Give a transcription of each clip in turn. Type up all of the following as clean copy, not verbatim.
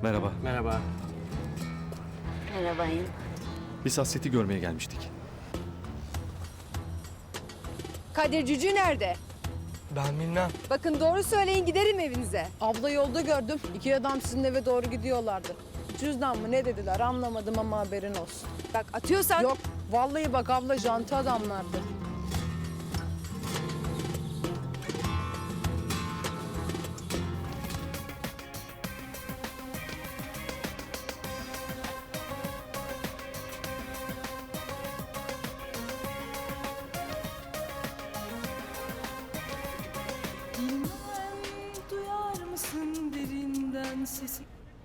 Merhaba. Merhaba. Merhabayım. Biz Hasret'i görmeye gelmiştik. Kadir Cücü nerede? Ben bilmem. Bakın doğru söyleyin giderim evinize. Abla yolda gördüm. İki adam sizin eve doğru gidiyorlardı. Cüzdan mı ne dediler anlamadım ama haberin olsun. Bak atıyorsan... Yok vallahi bak abla janti adamlardı. Bilmem duyar mısın derinden sesi?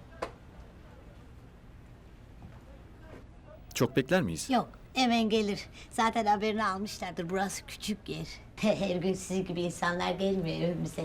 Çok bekler miyiz? Yok, hemen gelir. Zaten haberini almışlardır. Burası küçük yer. Her gün sizin gibi insanlar gelmiyor evimize.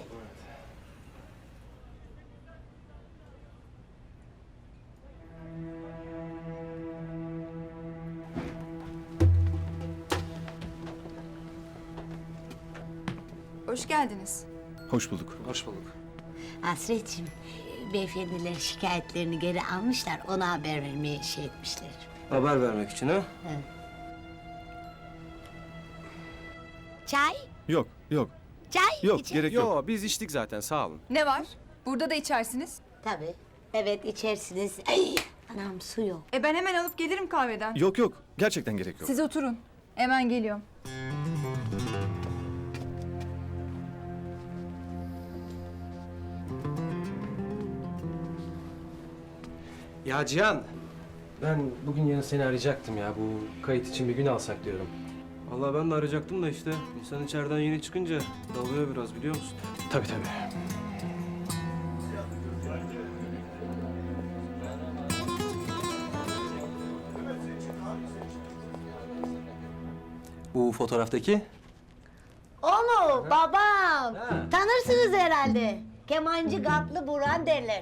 Hoş geldiniz. Hoş bulduk. Hoş bulduk. Hasretciğim, beyefendiler şikayetlerini geri almışlar. Ona haber vermeye şey etmişler. Haber vermek için ha? Çay? Yok, yok. Çay? Yok, İçer- gerek yok. Yo, biz içtik zaten, sağ olun. Ne var? Burada da içersiniz. Tabii. Evet, içersiniz. Ay, anam su yok. Ben hemen alıp gelirim kahveden. Yok yok, gerçekten gerek yok. Siz oturun. Hemen geliyorum. Ya Cihan, ben bugün yarın seni arayacaktım ya. Bu kayıt için bir gün alsak diyorum. Vallahi ben de arayacaktım da işte insan içeriden yeni çıkınca dalıyor biraz biliyor musun? Tabii tabii. Bu fotoğraftaki? O mu? Babam. Tanırsınız herhalde. Kemancı Gatlı Burhan derler.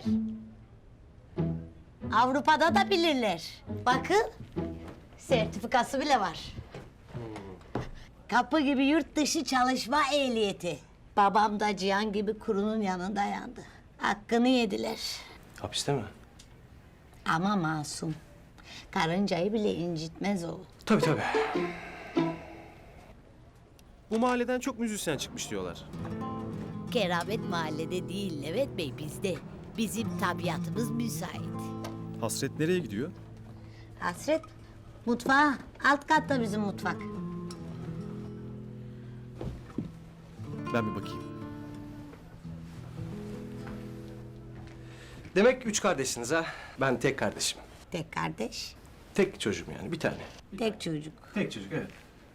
Avrupa'da da bilirler. Bakın, sertifikası bile var. Kapı gibi yurt dışı çalışma ehliyeti. Babam da Cihan gibi kurunun yanında yandı. Hakkını yediler. Hapiste mi? Ama masum. Karıncayı bile incitmez o. Tabii tabii. Bu mahalleden çok müzisyen çıkmış diyorlar. Keramet mahallede değil Levent Bey, bizde. Bizim tabiatımız müsait. Hasret nereye gidiyor? Hasret, mutfağa. Alt katta bizim mutfak. Ben bir bakayım. Demek üç kardeşsiniz ha? Ben tek kardeşim. Tek kardeş, Tek çocuğum yani, bir tane. tek çocuk. Tek çocuk, evet.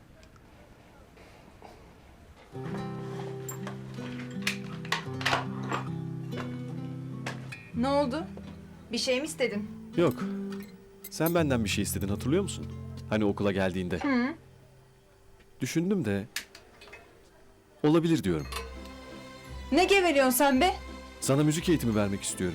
Ne oldu? Bir şey mi istedin? Yok. Sen benden bir şey istedin hatırlıyor musun? Hani okula geldiğinde. Düşündüm de... Olabilir diyorum. Ne geveliyorsun sen be? Sana müzik eğitimi vermek istiyorum.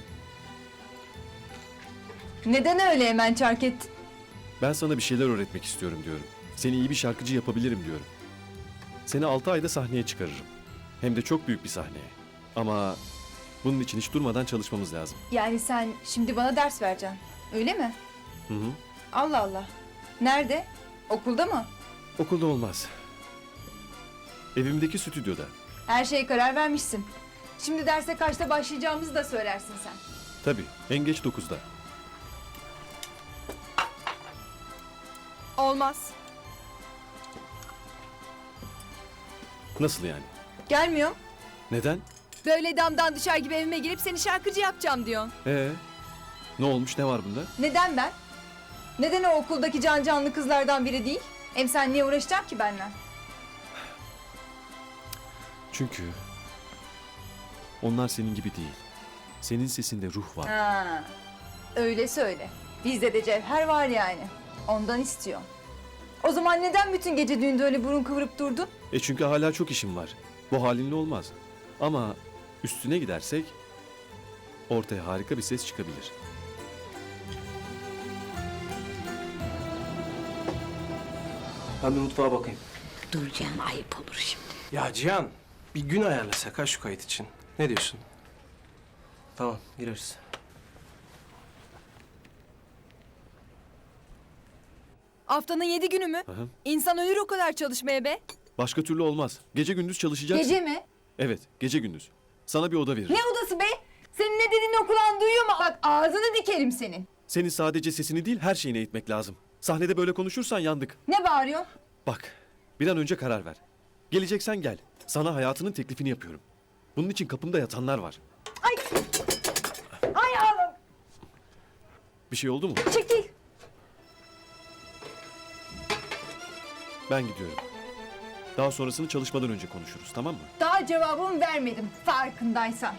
Neden öyle hemen çark ettin? Ben sana bir şeyler öğretmek istiyorum diyorum. Seni iyi bir şarkıcı yapabilirim diyorum. Seni 6 ayda sahneye çıkarırım. Hem de çok büyük bir sahneye. Ama bunun için hiç durmadan çalışmamız lazım. Yani sen şimdi bana ders vereceksin. Öyle mi? Hı hı. Allah Allah. Nerede? Okulda mı? Okulda olmaz. Evimdeki stüdyoda. Her şeye karar vermişsin. Şimdi derse kaçta başlayacağımızı da söylersin sen. Tabii, en geç 9'da. Olmaz. Nasıl yani? Gelmiyorum. Neden? Böyle damdan düşer gibi evime girip seni şarkıcı yapacağım diyorsun. Ne olmuş, ne var bunda? Neden ben? Neden o okuldaki can canlı kızlardan biri değil? Hem sen niye uğraşacaksın ki benimle? Çünkü... Onlar senin gibi değil. Senin sesinde ruh var. Ha, öyle söyle. Bizde de cevher var yani. Ondan istiyor. O zaman neden bütün gece düğünde öyle burun kıvırıp durdun? Çünkü hala çok işim var. Bu halinle olmaz. Ama üstüne gidersek... Ortaya harika bir ses çıkabilir. Ben bir mutfağa bakayım. Dur canım, ayıp olur şimdi. Ya Cihan, bir gün ayarlasak ha şu kayıt için. Ne diyorsun? Tamam, gireriz. Haftanın 7 günü mü? Hı. İnsan ölür o kadar çalışmaya be. Başka türlü olmaz. Gece gündüz çalışacaksın. Gece mi? Evet, gece gündüz. Sana bir oda veririm. Ne odası be? Senin ne dediğini okulan duyuyor mu? Bak ağzını dikerim senin. Senin sadece sesini değil her şeyini eğitmek lazım. Sahnede böyle konuşursan yandık. Ne bağırıyor? Bak, bir an önce karar ver. Geleceksen gel. Sana hayatının teklifini yapıyorum. Bunun için kapımda yatanlar var. Ay ağlam. Bir şey oldu mu? Çekil. Ben gidiyorum. Daha sonrasını çalışmadan önce konuşuruz, tamam mı? Daha cevabımı vermedim farkındaysan.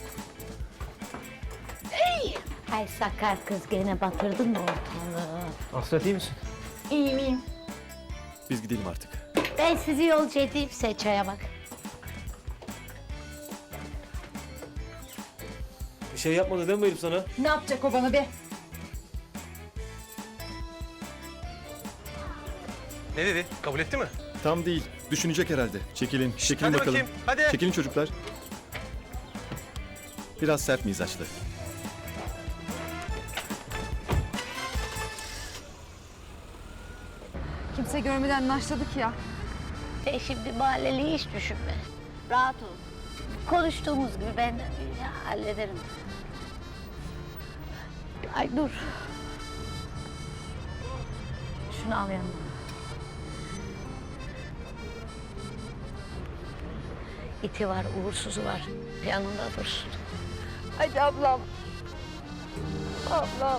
Ay sakar kız gene batırdın mı ortalığı? Hasret iyi misin? İyiyim iyiyim. Biz gidelim artık. Ben sizi yolcu edeyim Seço'ya bak. Bir şey yapmadı değil mi herif sana? Ne yapacak o bana be? Ne dedi? Kabul etti mi? Tam değil. Düşünecek herhalde. Çekilin, çekilin hadi bakalım. bakayım, hadi. Çekilin çocuklar. Biraz sert mizaçlı. Kimse görmeden naşladık ya. Sen şimdi mahalleliği hiç düşünme. Rahat ol. Konuştuğumuz gibi ben hallederim. Ay dur. Şunu al yanına. İti var, uğursuzu var. Yanında dursun. Hadi ablam. Ablam.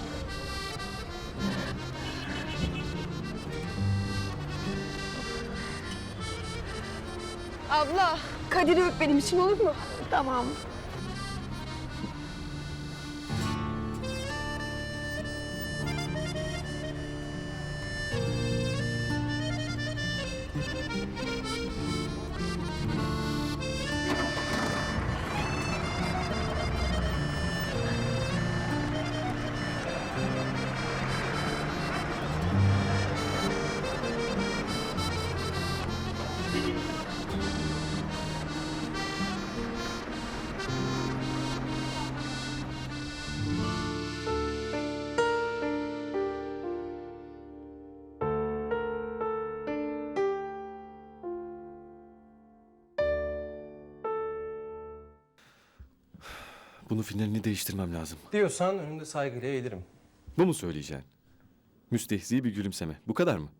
Abla, Kadir'i öp benim için olur mu? Tamam. Bunu finalini değiştirmem lazım. Diyorsan önünde saygıyla eğilirim. Bu mu söyleyeceğin? Müstehzi bir gülümseme. Bu kadar mı?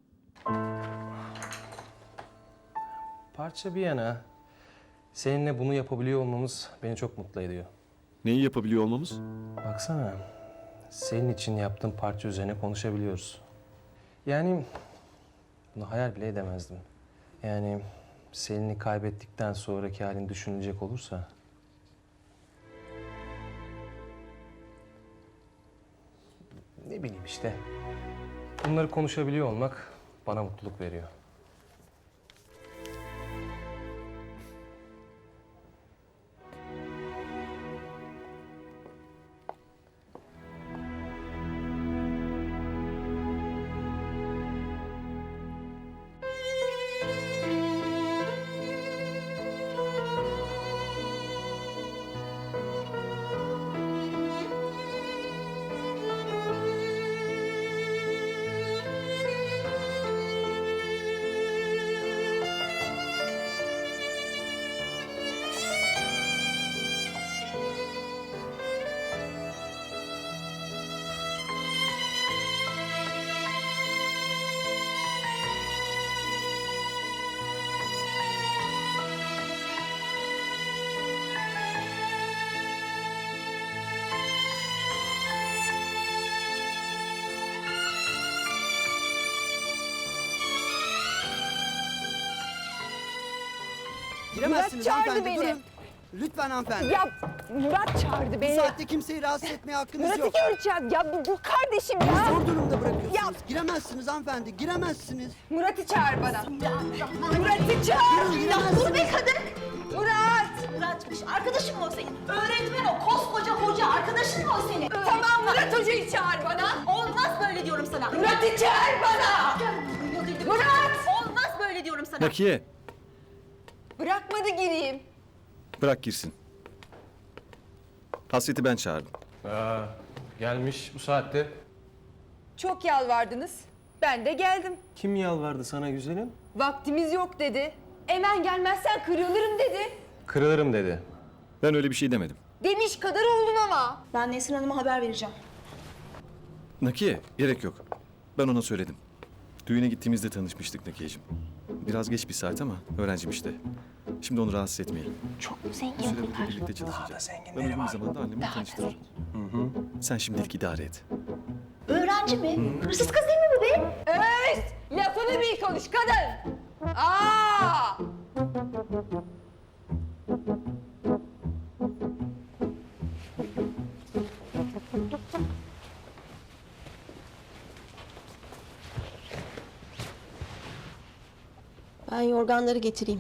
Parça bir yana, seninle bunu yapabiliyor olmamız beni çok mutlu ediyor. Neyi yapabiliyor olmamız? Baksana, senin için yaptığım parça üzerine konuşabiliyoruz. Yani bunu hayal bile edemezdim. Yani Selin'i kaybettikten sonraki halin düşünülecek olursa... Ne bileyim işte. Bunları konuşabiliyor olmak bana mutluluk veriyor. Giremezsiniz Murat çağırdı hanımefendi, beni. durun. Lütfen hanımefendi. Ya Murat çağırdı Bu beni. saatte kimseyi rahatsız etmeye hakkınız Murat'ı yok. göreceğim. Ya bu kardeşim Beni ya. zor durumda bırakıyorsunuz. Ya. Giremezsiniz hanımefendi, giremezsiniz. Murat'ı çağır bana. Murat'ı çağır. Giremezsiniz. Murat! Murat'mış. Arkadaşın mı o senin? Öğretmen o. Koskoca hoca. Arkadaşın mı o senin? Tamam Murat Hoca'yı çağır bana. Olmaz böyle diyorum sana. Murat'ı çağır bana. Murat! Olmaz böyle diyorum sana. Nakiye, Bırakmadı gireyim. bırak girsin. Hasret'i ben çağırdım. Gelmiş bu saatte. Çok yalvardınız. Ben de geldim. Kim yalvardı sana güzelim? Vaktimiz yok dedi. Hemen gelmezsen kırılırım dedi. Kırılırım dedi. Ben öyle bir şey demedim. Demiş kadar oldun ama. Ben Nesrin Hanım'a haber vereceğim. Nakiye, gerek yok. Ben ona söyledim. Düğüne gittiğimizde tanışmıştık Nakiye'cim. Biraz geç bir saat ama öğrencim işte. Şimdi onu rahatsız etmeyelim. Çok Bir zengin süre burada bunlar. birlikte çalışacağız. Ben uygun bir zamanda annemi tanıştırırım. Sen şimdilik idare et. Öğrenci mi? Hırsız kız değil mi bu be? Lafını bil konuş kadın. Aa! Ben yorganları getireyim.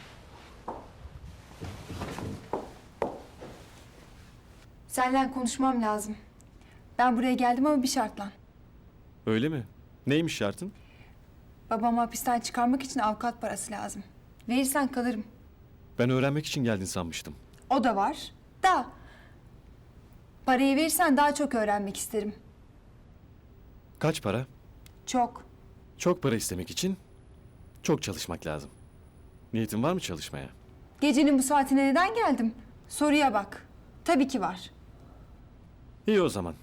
Seninle konuşmam lazım. Ben buraya geldim ama bir şartla. Öyle mi? Neymiş şartın? Babamı hapisten çıkarmak için avukat parası lazım. Verirsen kalırım. Ben öğrenmek için geldin sanmıştım. O da var. Da. Parayı verirsen daha çok öğrenmek isterim. Kaç para? Çok. Çok para istemek için çok çalışmak lazım. Niyetin var mı çalışmaya? Gecenin bu saatine neden geldim? Soruya bak. Tabii ki var. İyi o zaman.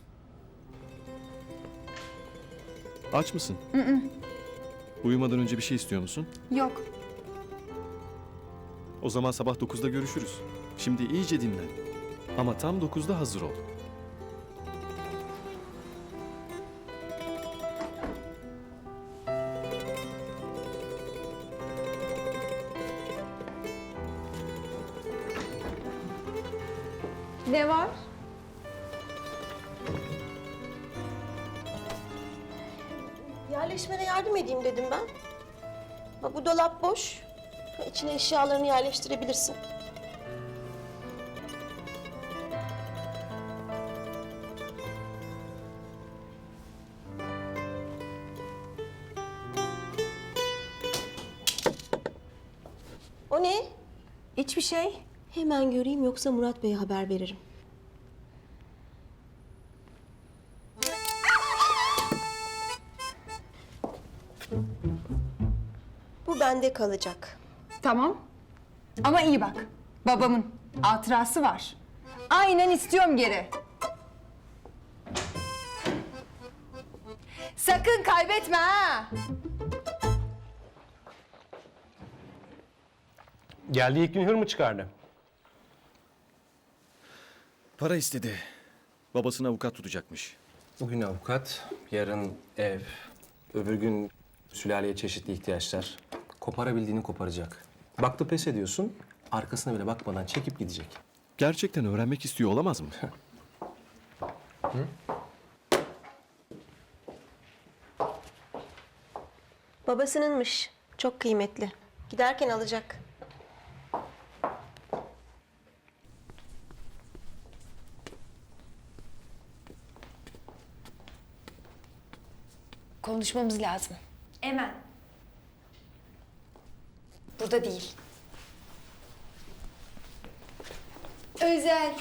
Aç mısın? Uyumadan önce bir şey istiyor musun? Yok. O zaman sabah 9'da görüşürüz. Şimdi iyice dinlen. Ama tam 9'da hazır ol. Ne var? Yerleşmene yardım edeyim dedim ben. Bak bu dolap boş. İçine eşyalarını yerleştirebilirsin. O ne? Hiçbir şey. Hemen göreyim yoksa Murat Bey'e haber veririm. Bu bende kalacak. Tamam. Ama iyi bak. Babamın hatırası var. Aynen istiyorum geri. Sakın kaybetme ha. Geldiği ilk gün hır mı çıkardı? Para istedi. Babasına avukat tutacakmış. Bugün avukat, yarın ev, öbür gün sülaleye çeşitli ihtiyaçlar. Koparabildiğini koparacak. Baktı pes ediyorsun, arkasına bile bakmadan çekip gidecek. Gerçekten öğrenmek istiyor olamaz mı? Babasınınmış. Çok kıymetli. Giderken alacak. Konuşmamız lazım. Hemen. Burada değil. Özel.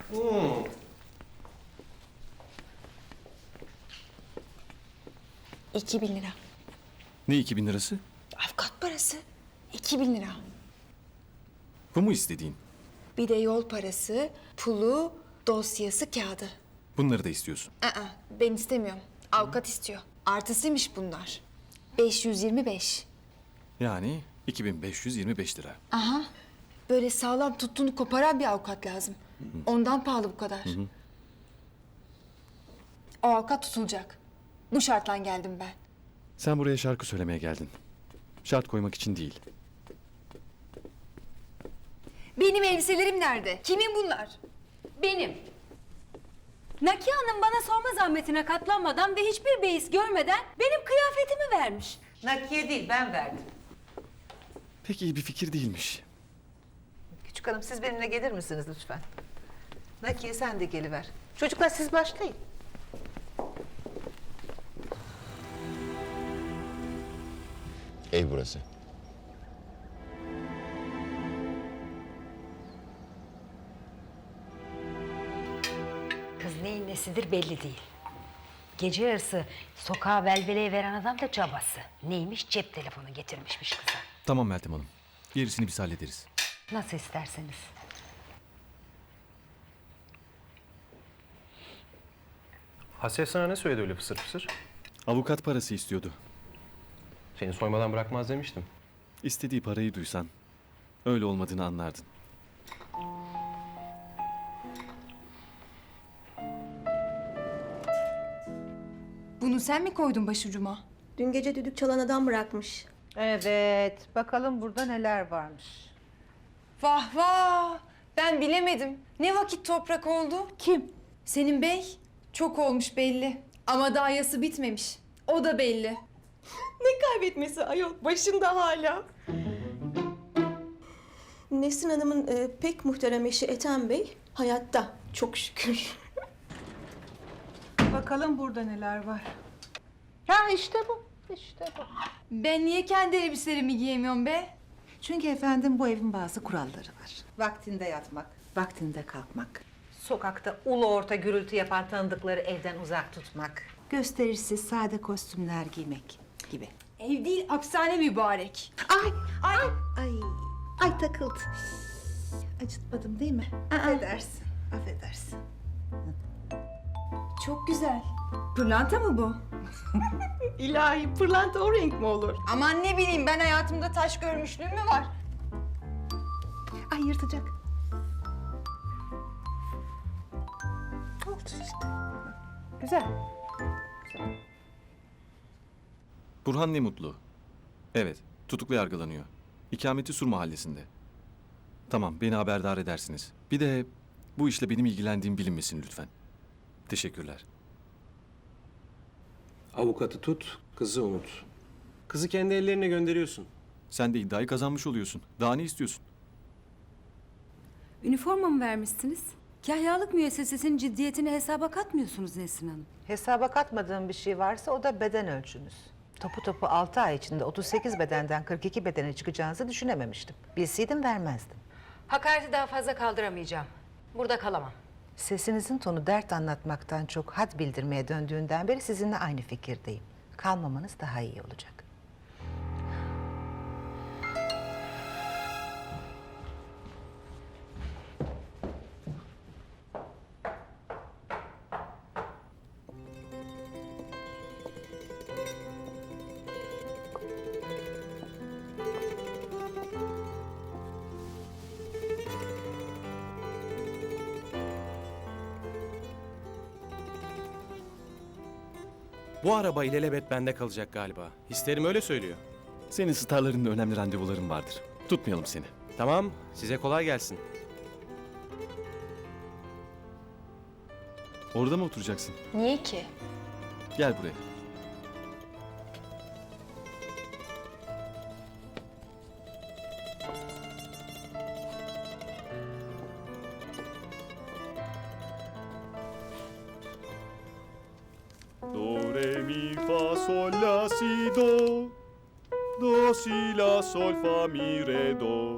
2000 lira. Ne 2000 lirası? Avukat parası. 2000 lira. Bu mu istediğin? Bir de yol parası, pulu, dosyası, kağıdı. Bunları da istiyorsun. Ben istemiyorum. Avukat istiyor. Artısıymış bunlar. 525. Yani 2525 lira. Aha. Böyle sağlam tuttuğunu koparan bir avukat lazım. Ondan pahalı bu kadar. O avukat tutulacak. Bu şartla geldim ben. Sen buraya şarkı söylemeye geldin. Şart koymak için değil. Benim elbiselerim nerede? Kimin bunlar? Benim. Nakiye Hanım bana sorma zahmetine katlanmadan ve hiçbir beis görmeden benim kıyafetimi vermiş. Nakiye değil, ben verdim. Pek iyi bir fikir değilmiş. Küçük hanım, siz benimle gelir misiniz lütfen? Nakiye, sen de geliver. Çocuklar, siz başlayın. Ev burası. Kız neyin nesidir belli değil. gece yarısı sokağa velveleye veren adam da cabası. Neymiş? Cep telefonu getirmişmiş kıza. Tamam Meltem Hanım. Gerisini biz hallederiz. Nasıl isterseniz. Hasret sana ne söyledi öyle fısır fısır? Avukat parası istiyordu. Seni soymadan bırakmaz demiştim. İstediği parayı duysan öyle olmadığını anlardın. Bunu sen mi koydun başucuma? Dün gece düdük çalan adam bırakmış. Evet, bakalım burada neler varmış. Vah vah! Ben bilemedim. Ne vakit toprak oldu? Kim? Senin bey. Çok olmuş belli. Ama daha yası bitmemiş. O da belli. Ne kaybetmesi ayol, başında hala. Nesrin Hanım'ın pek muhterem eşi Ethem Bey hayatta, çok şükür. Bakalım burada neler var. Ha işte bu, işte bu. Ben niye kendi elbiselerimi giyemiyorum be? Çünkü efendim bu evin bazı kuralları var. Vaktinde yatmak, vaktinde kalkmak. Sokakta ulu orta gürültü yapan tanıdıkları evden uzak tutmak. Gösterişsiz sade kostümler giymek gibi. Ev değil, hapishane mübarek. Ay takıldı. Acıtmadım değil mi? Affedersin, affedersin. Çok güzel. Pırlanta mı bu? İlahi, pırlanta o renk mi olur? Aman ne bileyim, ben hayatımda taş görmüşlüğüm mü var? Ay yırtacak. Olsun işte. Güzel. Burhan ne mutlu. Evet, tutuklu yargılanıyor. İkameti Sur mahallesinde. Tamam, beni haberdar edersiniz. Bir de bu işle benim ilgilendiğim bilinmesin lütfen. Teşekkürler. Avukatı tut, kızı unut. Kızı kendi ellerine gönderiyorsun. Sen de iddiayı kazanmış oluyorsun. Daha ne istiyorsun? Üniforma mı vermişsiniz? Kahyalık müessesesinin ciddiyetini hesaba katmıyorsunuz Nesrin Hanım. Hesaba katmadığım bir şey varsa o da beden ölçünüz. Topu 6 ay içinde 38 bedenden 42 bedene çıkacağınızı düşünememiştim. Bilseydim vermezdim. Hakareti daha fazla kaldıramayacağım. Burada kalamam. Sesinizin tonu dert anlatmaktan çok had bildirmeye döndüğünden beri sizinle aynı fikirdeyim. Kalmamanız daha iyi olacak. Bu araba ilelebet bende kalacak galiba. Hislerim öyle söylüyor. Senin starlarınla önemli randevuların vardır. Tutmayalım seni. Tamam, size kolay gelsin. Orada mı oturacaksın? Niye ki? Gel buraya. Do, re, mi, fa, sol, la, si, do. Do, si, la, sol, fa, mi, re, do.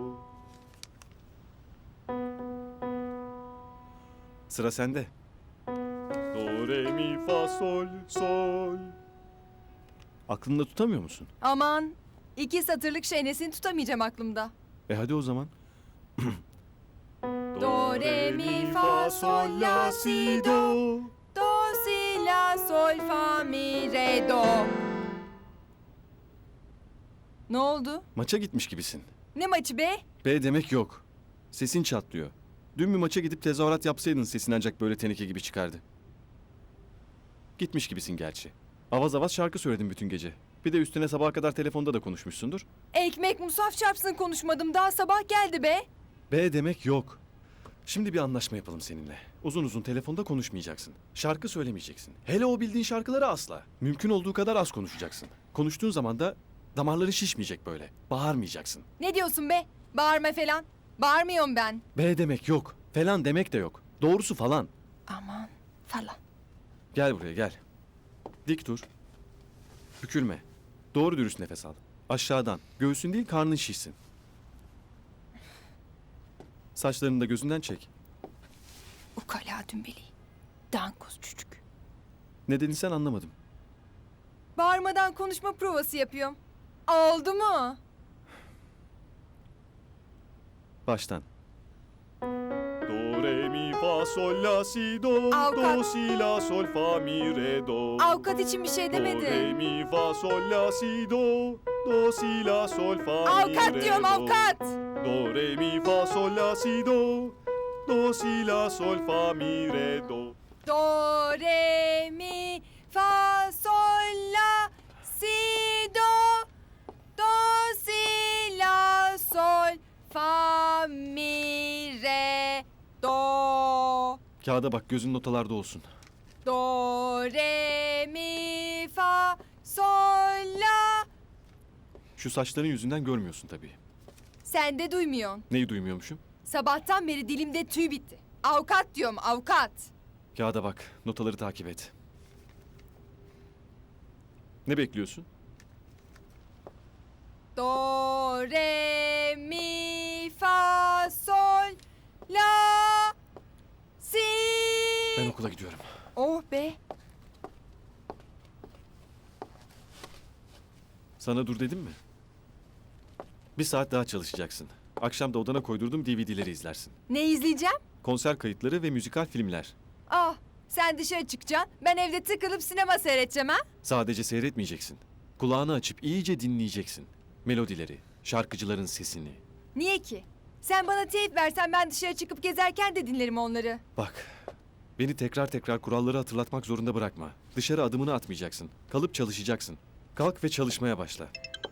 Sıra sende. Do, re, mi, fa, sol, sol. Aklında tutamıyor musun? Aman, 2 satırlık şeynesini tutamayacağım aklımda. Hadi o zaman. Do, re, mi, fa, sol, la, si, do. Do, si, la, sol, fa, mi, re, do. Ne oldu? Maça gitmiş gibisin. Ne maçı be? B demek yok. Sesin çatlıyor. Dün bir maça gidip tezahürat yapsaydın sesin ancak böyle teneke gibi çıkardı. Gitmiş gibisin gerçi. Avaz avaz şarkı söyledin bütün gece. Bir de üstüne sabaha kadar telefonda da konuşmuşsundur. Ekmek musaf çarpsın konuşmadım. Daha sabah geldi be. B demek yok. Şimdi bir anlaşma yapalım seninle. Uzun uzun telefonda konuşmayacaksın. Şarkı söylemeyeceksin. Hele o bildiğin şarkıları asla. Mümkün olduğu kadar az konuşacaksın. Konuştuğun zaman da damarları şişmeyecek böyle. Bağırmayacaksın. Ne diyorsun be? Bağırma falan. Bağırmıyorum ben. B demek yok. Falan demek de yok. Doğrusu falan. Aman falan. Gel buraya gel. Dik dur. Bükülme. Doğru dürüst nefes al. Aşağıdan. Göğsün değil karnın şişsin. Saçlarını da gözünden çek. Ukala dümbeli. Dankoz çocuk. Ne dedin sen anlamadım. Bağırmadan konuşma provası yapıyorum. Oldu mu? Baştan. Do, re, mi, fa, sol, la, si, do. Avukat. Do, si, la, sol, fa, mi, re, do. Avukat için bir şey Do, re, demedi. mi, fa, sol, la, si, do. Do, si, la, sol, fa, mi, Avukat re, diyorum do. avukat. Do, re, mi, fa, sol, la, si, do. Do, si, la, sol, fa, mi, re, do. Do, re, mi, fa, sol, la, si, do. Do, si, la, sol, fa, mi, re, do. Kağıda bak, gözün notalarda olsun. Do, re, mi, fa, sol, la. Şu saçların yüzünden görmüyorsun tabii. Sen de duymuyorsun. Neyi duymuyormuşum? Sabahtan beri dilimde tüy bitti. Avukat diyorum avukat. Kağıda bak, notaları takip et. Ne bekliyorsun? Do, re, mi, fa, sol, la, si. Ben okula gidiyorum. Oh be. Sana dur dedim mi? Bir saat daha çalışacaksın. Akşam da odana koydurdum DVD'leri izlersin. Ne izleyeceğim? Konser kayıtları ve müzikal filmler. Ah, sen dışarı çıkacaksın. Ben evde tıkılıp sinema seyredeceğim ha? Sadece seyretmeyeceksin. Kulağını açıp iyice dinleyeceksin. Melodileri, şarkıcıların sesini. Niye ki? Sen bana teyip versen ben dışarı çıkıp gezerken de dinlerim onları. Bak, beni tekrar tekrar kuralları hatırlatmak zorunda bırakma. Dışarı adımını atmayacaksın. Kalıp çalışacaksın. Kalk ve çalışmaya başla.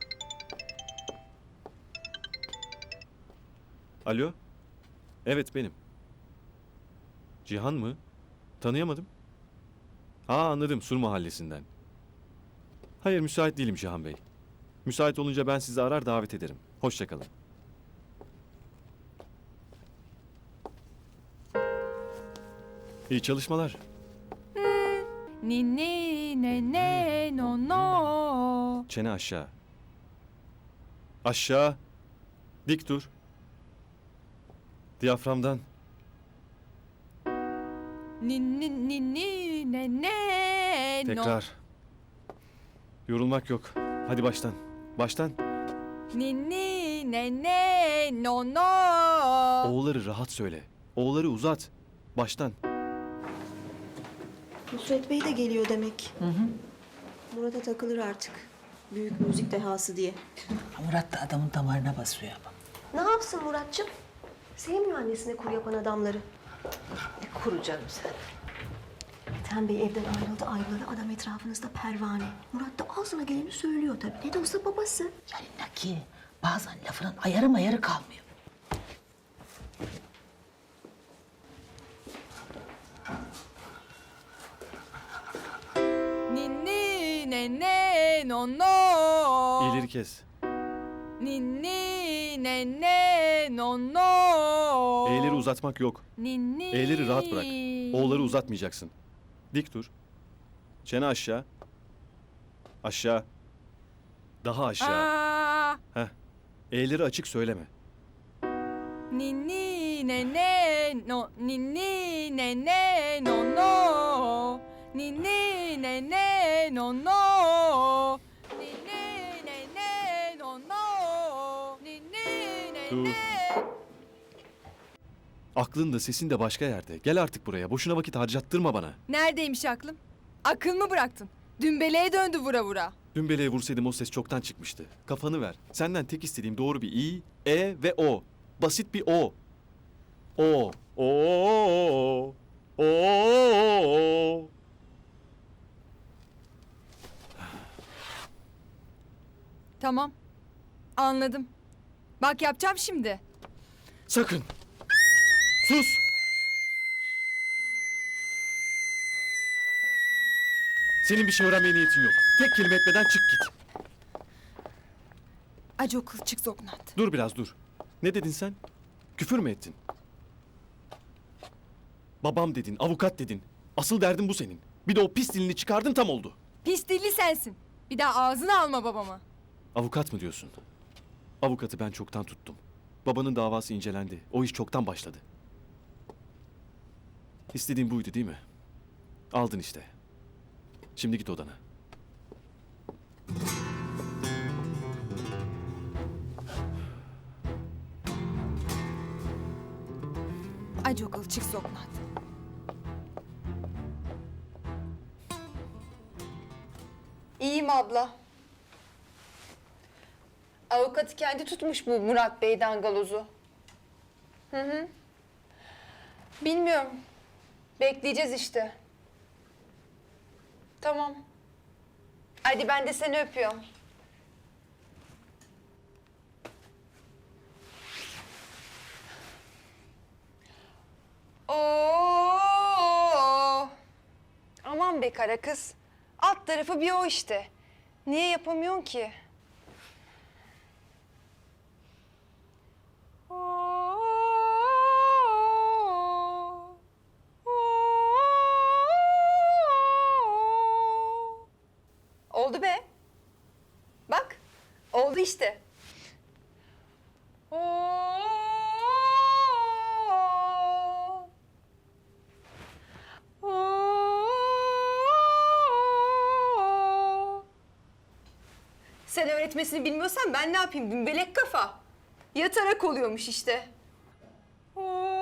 Alo? Evet benim. Cihan mı? Tanıyamadım. Aa anladım, Sur Mahallesi'nden. Hayır müsait değilim Cihan Bey. Müsait olunca ben sizi arar davet ederim. Hoşça kalın. İyi çalışmalar. Ni ni ne ne no no. Çene aşağı. Aşağı. Dik dur. Diyaframdan. Ni ni ni ni ne ne no. Tekrar. Yorulmak yok. Hadi baştan. Baştan. Ni ni ne ne no no. O'ları rahat söyle. O'ları uzat. Baştan. Nusret Bey de geliyor demek. Murat'a takılır artık. Büyük müzik dehası diye. Murat da adamın damarına basıyor ama. Ne yapsın Muratçım? Sevmiyor annesine kur yapan adamları. Ne kuru canım sen. Ethem Bey evden ayrıldı. Adam etrafınızda pervane. Murat da ağzına geleni söylüyor tabii. Ne de olsa babası. Yani Naki bazen lafının ayarı mayarı kalmıyor. Ni ni ne ne no no. İyileri kes. Ni ni ne ne no no. E'leri uzatmak yok. Ni ni. E'leri rahat bırak. O'ları uzatmayacaksın. Dik dur. Çene aşağı. Aşağı. Daha aşağı. Aa. Heh. E'leri açık söyleme. Ni ni ne ne no. Ni ni ne ne no no. Ni ni ne ne no no. Ni ni ne ne no no. Ni ni ne Dur. ne. Aklın da sesin de başka yerde. Gel artık buraya. Boşuna vakit harcattırma bana. Neredeymiş aklım? Akıl mı bıraktın? Dümbeleğe döndü vura vura. Dün beleğe vursaydım o ses çoktan çıkmıştı. Kafanı ver. Senden tek istediğim doğru bir İ, E ve O. Basit bir O. O. O. O. Tamam. Anladım. Bak yapacağım şimdi. Sakın. Sus. Senin bir şey öğrenmeye niyetin yok. Tek kelime etmeden çık git. Acı okul çık Zognat. Dur biraz dur. Ne dedin sen? Küfür mü ettin? Babam dedin, avukat dedin. Asıl derdin bu senin. Bir de o pis dilini çıkardın tam oldu. Pis dilli sensin. Bir daha ağzını alma babama. Avukat mı diyorsun? Avukatı ben çoktan tuttum. Babanın davası incelendi. O iş çoktan başladı. İstediğin buydu değil mi? Aldın işte. Şimdi git odana. Ay çok alçık sokmat. İyiyim abla. Avukatı kendi tutmuş bu Murat Bey dangalozu. Hı. Bilmiyorum. Bekleyeceğiz işte. Tamam. Hadi ben de seni öpüyorum. Oo! Aman be kara kız. Alt tarafı bir o işte. Niye yapamıyorsun ki? Oldu be. Bak, oldu işte. Sen öğretmesini bilmiyorsan ben ne yapayım? Dümbelek kafa. Yatarak oluyormuş işte.